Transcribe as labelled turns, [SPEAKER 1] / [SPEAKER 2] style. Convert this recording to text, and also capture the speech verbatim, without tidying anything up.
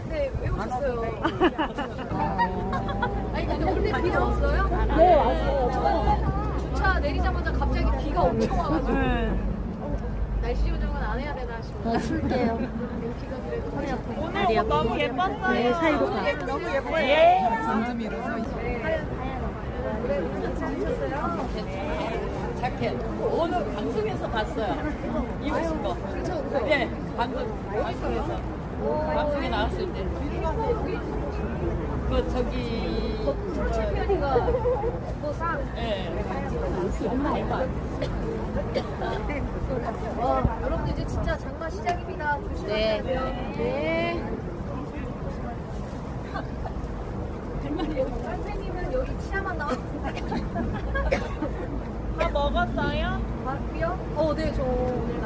[SPEAKER 1] 네, 왜 오셨어요? 아니, 근데 오늘 비가 왔어요?
[SPEAKER 2] 네, 왔어요.
[SPEAKER 1] 주차 내리자마자 갑자기 비가 엄청 와가지고.
[SPEAKER 2] 네.
[SPEAKER 1] 날씨 요정은 안 해야 되나 싶어요.
[SPEAKER 2] 더 쓸게요.
[SPEAKER 1] 비가 그래도 허리 아프고.
[SPEAKER 3] 오늘 옷 너무 예뻤어요.
[SPEAKER 2] 네, 사이로 가.
[SPEAKER 3] 너무 예뻐요. 예.
[SPEAKER 4] 자켓 오늘 방송에서 봤어요. 입으신 거. 네, 방금 방송에서 방송에 나왔을 때. 그 저기
[SPEAKER 1] 챔피언이가 뭐 상.
[SPEAKER 4] 예.
[SPEAKER 1] 어, 여러분들 이제 진짜 장마 시작입니다. 조심하세요. 네. 선생님은 여기 치아만 나왔는데.
[SPEAKER 3] 다 먹었어요?
[SPEAKER 1] 밥이요? 어, 네, 저 오늘